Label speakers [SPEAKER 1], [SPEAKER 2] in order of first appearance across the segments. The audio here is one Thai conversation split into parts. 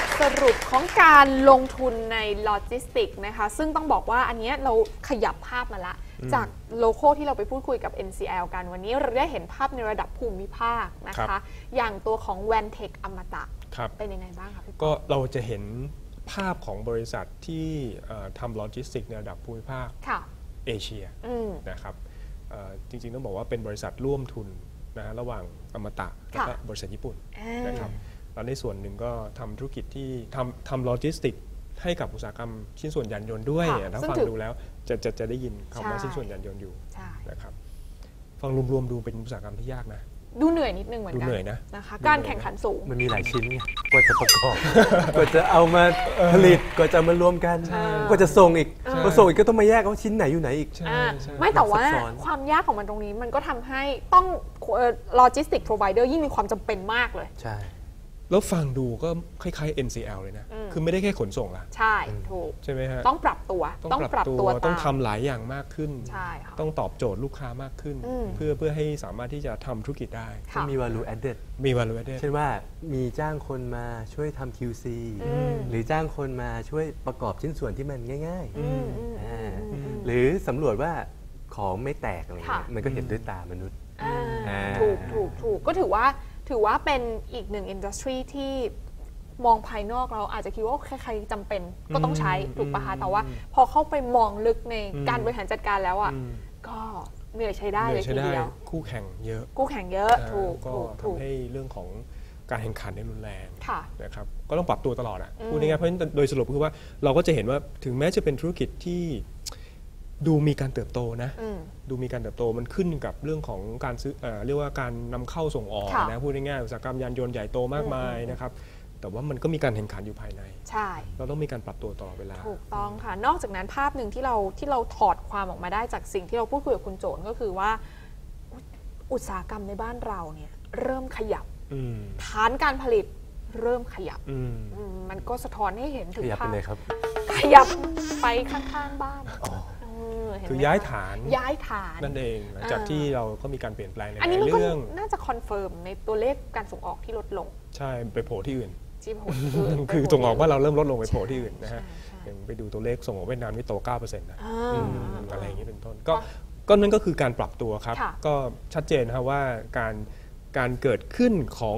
[SPEAKER 1] ทสรุปของการลงทุนในโลจิสติกนะคะซึ่งต้องบอกว่าอันนี้เราขยับภาพมาละจากโลโก้ที่เราไปพูดคุยกับ NCL กันวันนี้เราได้เห็นภาพในระดับภูมิภาคนะคะอย่างตัวของ Vantek อมตะเป็นยังไงบ้างคะพี่
[SPEAKER 2] ก็เราจะเห็นภาพของบริษัทที่ทำโลจิสติกในระดับภูมิภาคเอเชียนะครับจริงๆต้องบอกว่าเป็นบริษัทร่วมทุนนะระหว่างอมตะและก็บริษัทญี่ปุ่นนะครับแล้วในส่วนหนึ่งก็ทำธุรกิจที่ทำโลจิสติกให้กับอุตสาหกรรมชิ้นส่วนยานยนต์ด้วยถ้าฟังดูแล้วจะได้ยินคำว่าชิ้นส่วนยานยนต์อยู่นะครับฟังรวมๆดูเป็นอุตสาหกรรมที่ยากนะ
[SPEAKER 1] ดูเหนื่อยนิดนึงเหมือนกันนะคะการแข่งขันสูง
[SPEAKER 3] มันมีหลายชิ้นกว่าจะประกอบกว่าจะเอามาผลิตกว่าจะมารวมกันกว่าจะส่งอีกพอส่งอีกก็ต้องมาแยกว่าชิ้นไหนอยู่ไหนอีก
[SPEAKER 1] ไม่แต่ว่าความยากของมันตรงนี้มันก็ทำให้ต้องโลจิสติก provider ยิ่งมีความจำเป็นมากเลย
[SPEAKER 3] ใช่
[SPEAKER 2] แล้วฟังดูก็คล้ายๆ NCL เลยนะคือไม่ได้แค่ขนส่งละ
[SPEAKER 1] ใช่ถูก
[SPEAKER 2] ใช่ไหมฮะ
[SPEAKER 1] ต้องปรับตัว
[SPEAKER 2] ต้องทำหลายอย่างมากขึ้น
[SPEAKER 1] ใช่
[SPEAKER 2] ต้องตอบโจทย์ลูกค้ามากขึ้นเพื่อให้สามารถที่จะทำธุรกิจได้
[SPEAKER 3] ต้องมี value added
[SPEAKER 2] มี value added
[SPEAKER 3] เช่นว่ามีจ้างคนมาช่วยทำ QC หรือจ้างคนมาช่วยประกอบชิ้นส่วนที่มันง่ายๆหรือสำรวจว่าของไม่แตกอะไรมันก็เห็นด้วยตามนุษย์
[SPEAKER 1] ถูกก็ถือว่าเป็นอีกหนึ่งอินดัสทรีที่มองภายนอกเราอาจจะคิดว่าใครๆจำเป็นก็ต้องใช้ถูกปะคะแต่ว่าพอเข้าไปมองลึกในการบริหารจัดการแล้วอ่ะก็เหนื่อยใช้ได้เลยทีเดียว
[SPEAKER 2] คู่แข่งเยอะ
[SPEAKER 1] ถูก
[SPEAKER 2] ก็ทำให้เรื่องของการแข่งขันในรุนแรงนะครับก็ต้องปรับตัวตลอดอ่ะพูดง่ายๆเพราะฉะนั้นโดยสรุปคือว่าเราก็จะเห็นว่าถึงแม้จะเป็นธุรกิจที่ดูมีการเติบโตนะดูมีการเติบโตมันขึ้นกับเรื่องของการซื้อเรียกว่าการนำเข้าส่งออกนะพูดง่ายๆอุตสาหกรรมยานยนต์ใหญ่โตมากมายนะครับแต่ว่ามันก็มีการแข่งขันอยู่ภายใน
[SPEAKER 1] ใช่
[SPEAKER 2] เราต้องมีการปรับตัวตลอดเวลา
[SPEAKER 1] ถูกต้องค่ะนอกจากนั้นภาพหนึ่งที่เราถอดความออกมาได้จากสิ่งที่เราพูดคุยกับคุณโจนก็คือว่าอุตสาหกรรมในบ้านเราเนี่ยเริ่มขยับฐานการผลิตเริ่มขยับมันก็สะท้อนให้เห็นถึงภาพขยับไปข้างๆบ้าน
[SPEAKER 2] คือย้ายฐานนั่นเองหลังจากที่เราก็มีการเปลี่ยนแปลงในเรื่อง
[SPEAKER 1] น่าจะคอนเฟิร์มในตัวเลขการส่งออกที่ลดลง
[SPEAKER 2] ใช่ไปโผล่ที่อื่นคือส่งออกว่าเราเริ่มลดลงไปโผล่ที่อื่นนะฮะอย่างไปดูตัวเลขส่งออกเวียดนามนี่โต 9% นะอะไรอย่างนี้เป็นต้นก็นั่นก็คือการปรับตัวครับก็ชัดเจนนะครับว่าการเกิดขึ้นของ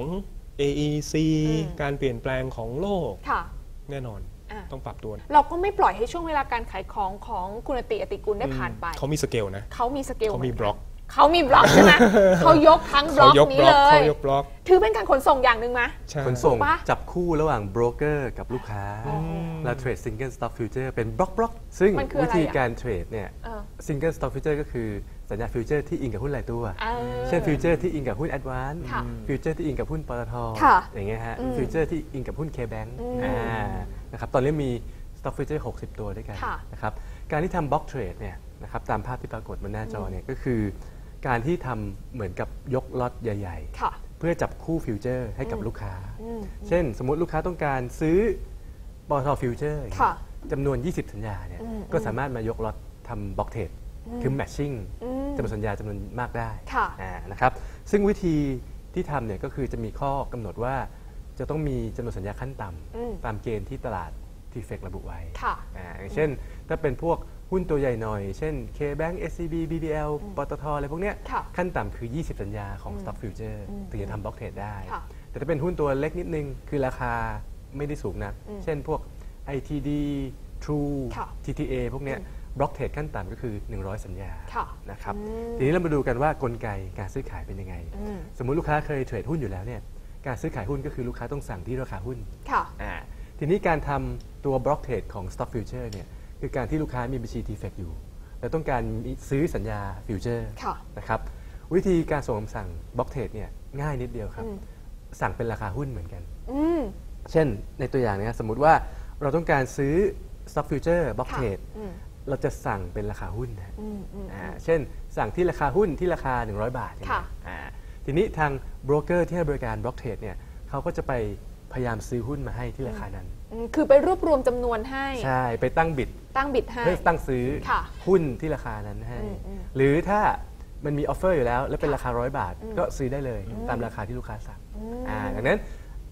[SPEAKER 2] AEC การเปลี่ยนแปลงของโลกแน่นอนต้องปรับตัว
[SPEAKER 1] เราก็ไม่ปล่อยให้ช่วงเวลาการขายของคุณอติกุลได้ผ่านไป
[SPEAKER 2] เขามีสเกลนะ
[SPEAKER 1] เขามีสเกล
[SPEAKER 2] เขามีบล็อก
[SPEAKER 1] ใช่ไหมเขายกทั้งบล็อกนี้เลย
[SPEAKER 2] เขายกบล็อก
[SPEAKER 1] ถือเป็นการขนส่งอย่างหนึ่งไหม
[SPEAKER 3] ขนส่งจับคู่ระหว่างโบรกเกอร์กับลูกค้าและเทรดซิงเกิลสต็อกฟิวเจอร์เป็นบล็อกซึ่งวิธีการเทรดเนี่ยซิงเกิลสต็อกฟิวเจอร์ก็คือสัญญาฟิวเจอร์ที่อิงกับหุ้นรายตัวเช่นฟิวเจอร์ที่อิงกับหุ้นแอดวานซ์ฟิวเจอร์ที่อิงกับหุ้นปตท.อย่างเงี้ยฮะฟิวเจอร์ที่อิงกับหุ้นเคแบงค์นะครับตอนนี้มี stock future 60 ตัวด้วยกันนะครับการที่ทำ block trade เนี่ยนะครับตามภาพที่ปรากฏบนหน้าจอเนี่ยก็คือการที่ทำเหมือนกับยกล็อตใหญ่ๆเพื่อจับคู่ฟิวเจอร์ให้กับลูกค้าเช่นสมมุติลูกค้าต้องการซื้อปตท. ฟิวเจอร์จำนวน20สัญญาเนี่ยก็สามารถมายกล็อตทำ block trade คือ matching จำนวนสัญญาจำนวนมากได้นะครับซึ่งวิธีที่ทำเนี่ยก็คือจะมีข้อกำหนดว่าจะต้องมีจำนวนสัญญาขั้นต่ำตามเกณฑ์ที่ตลาดทีเฟกระบุไว้อย่างเช่นถ้าเป็นพวกหุ้นตัวใหญ่หน่อยเช่น KBank SCB BBL ปตทอะไรพวกเนี้ยขั้นต่ำคือ20สัญญาของ Stock Future ถึงจะทำบล็อกเทรดได้แต่ถ้าเป็นหุ้นตัวเล็กนิดนึงคือราคาไม่ได้สูงนักเช่นพวก ITD True TTA พวกเนี้ยบล็อกเทรดขั้นต่ำก็คือ100สัญญานะครับทีนี้เรามาดูกันว่ากลไกการซื้อขายเป็นยังไงสมมุติลูกค้าเคยเทรดหุ้นอยู่แล้วเนี่ยการซื้อขายหุ้นก็คือลูกค้าต้องสั่งที่ราคาหุ้นทีนี้การทำตัวบล็อกเทรดของ Stock Future เนี่ยคือการที่ลูกค้ามีบัญชี TFX อยู่และต้องการซื้อสัญญาฟิวเจอร์นะครับวิธีการส่งคำสั่งบล็อกเทรดเนี่ยง่ายนิดเดียวครับสั่งเป็นราคาหุ้นเหมือนกันเช่นในตัวอย่างนี้สมมุติว่าเราต้องการซื้อ Stock Future บล็อกเทรดเราจะสั่งเป็นราคาหุ้นนะเช่นสั่งที่ราคาหุ้นที่ราคา100 บาททีนี้ทางโบรกเกอร์ที่ให้บริการบล็อกเทรดเนี่ยเขาก็จะไปพยายามซื้อหุ้นมาให้ที่ราคานั้น
[SPEAKER 1] คือไปรวบรวมจำนวนให้
[SPEAKER 3] ใช่ไปตั้งบิด
[SPEAKER 1] ให้
[SPEAKER 3] เพื่อตั้งซื้อหุ้นที่ราคานั้นให้หรือถ้ามันมีออฟเฟอร์อยู่แล้วและเป็นราคา100 บาทก็ซื้อได้เลยตามราคาที่ลูกค้าสั่งดังนั้น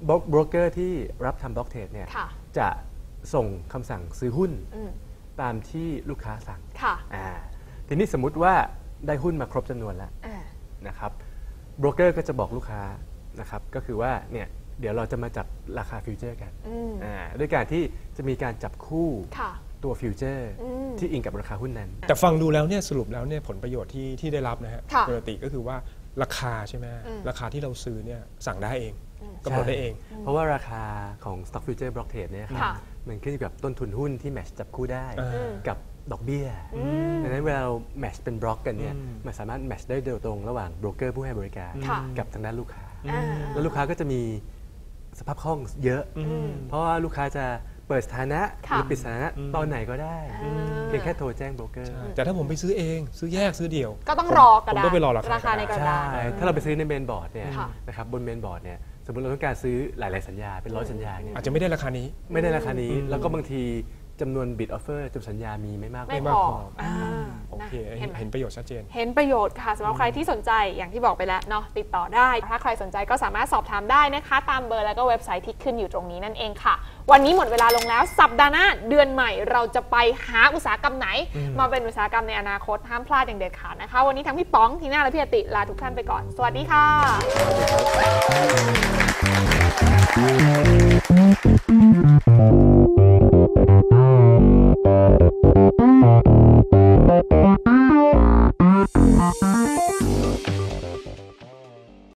[SPEAKER 3] โบรกเกอร์ที่รับทำบล็อกเทรดเนี่ยจะส่งคำสั่งซื้อหุ้นตามที่ลูกค้าสั่งทีนี้สมมุติว่าได้หุ้นมาครบจำนวนแล้วนะครับโบรกเกอร์ก็จะบอกลูกค้านะครับก็คือว่าเนี่ยเดี๋ยวเราจะมาจับราคาฟิวเจอร์กันด้วยการที่จะมีการจับคู่ตัวฟิวเจอร์ที่อิงกับราคาหุ้นนั้น
[SPEAKER 2] แต่ฟังดูแล้วเนี่ยสรุปแล้วเนี่ยผลประโยชน์ที่ได้รับนะฮะปกติก็คือว่าราคาใช่ไหมราคาที่เราซื้อเนี่ยสั่งได้เองกำหนดได้เอง
[SPEAKER 3] เพราะว่าราคาของ Stock Future Block Trade เนี่ยครับมันขึ้นอยู่กับต้นทุนหุ้นที่แมทช์จับคู่ได้กับดอกเบี้ยดังนั้นเวลาเราแมทช์เป็นบล็อกกันเนี่ยมันสามารถแมทช์ได้โดยตรงระหว่างโบรกเกอร์ผู้ให้บริการกับทางด้านลูกค้าแล้วลูกค้าก็จะมีสภาพคล่องเยอะเพราะว่าลูกค้าจะเปิดสถานะหรือปิดสถานะตอนไหนก็ได้เพียงแค่โทรแจ้งโบรกเกอร์
[SPEAKER 2] แต่ถ้าผมไปซื้อเองซื้อแยกซื้อเดี่ยว
[SPEAKER 1] ก็ต้องรอกระดาษ
[SPEAKER 2] ผมต้องไปรอ
[SPEAKER 1] ราคาในกระดาษ
[SPEAKER 3] ถ้าเราไปซื้อในเมนบอร์ดเนี่ยนะครับบนเมนบอร์ดเนี่ยสมมติเราต้องการซื้อหลายๆสัญญาเป็น100สัญญาเนี่ย
[SPEAKER 2] อาจจะไม่ได้ราคานี้
[SPEAKER 3] แล้วก็บางทีจำนวนบิดออฟเฟอร์จำนวนสัญญามีไม่มาก
[SPEAKER 2] พอโอเคเห็นประโยชน์ชัดเจน
[SPEAKER 1] เห็นประโยชน์ค่ะสำหรับใครที่สนใจอย่างที่บอกไปแล้วเนาะติดต่อได้ถ้าใครสนใจก็สามารถสอบถามได้นะคะตามเบอร์แล้วก็เว็บไซต์ที่ขึ้นอยู่ตรงนี้นั่นเองค่ะวันนี้หมดเวลาลงแล้วสัปดาห์หน้าเดือนใหม่เราจะไปหาอุตสาหกรรมไหนมาเป็นอุตสาหกรรมในอนาคตห้ามพลาดอย่างเด็ดขาดนะคะวันนี้ทั้งพี่ป๋องทีน่าและพี่อติลาทุกท่านไปก่อนสวัสดีค่ะ